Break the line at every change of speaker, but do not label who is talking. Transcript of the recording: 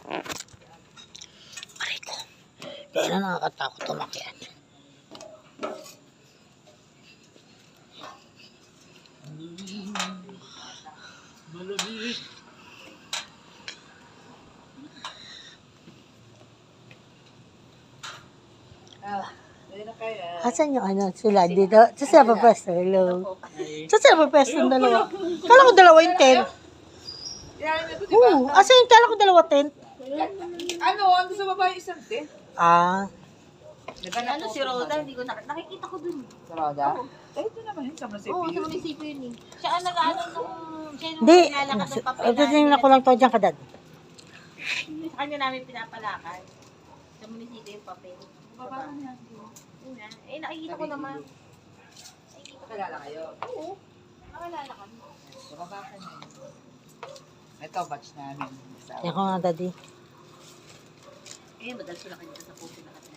Aray ko. Kaya na nakakatakot tumakyat.
Malamig.
Asan yung ano, sila dito? Sa sila pa pwesto, hello. Sa sila pa pwesto ng dalawa. Kala ko dalawa yung tent. Oo, asan yung kala ko dalawa tent?
Ano, ando sa baba yung isang tent.
Ah,
Ano si Roda, hindi ko nakikita ko dun.
Sa Roda? Ito naman yun, sa munisipyo
Oo, sa
yun.
munisipyo yun eh. Siya ang nag-ano nung, siya yung
hindi.
nilalakad ng papel
Ito din ako lang to dyan kadad.
Sa kanya namin pinapalakad. Sa munisipyo yung papel.
Baba na yan.
Yun na. Eh, nakikita ko naman.
Kakilala kayo.
Oo. Nakalala kami.
Baba ka na yun. Ito, batch namin.
Yan ko nga daddy.
Eh, madalas ko na kanina sa puso na kasi.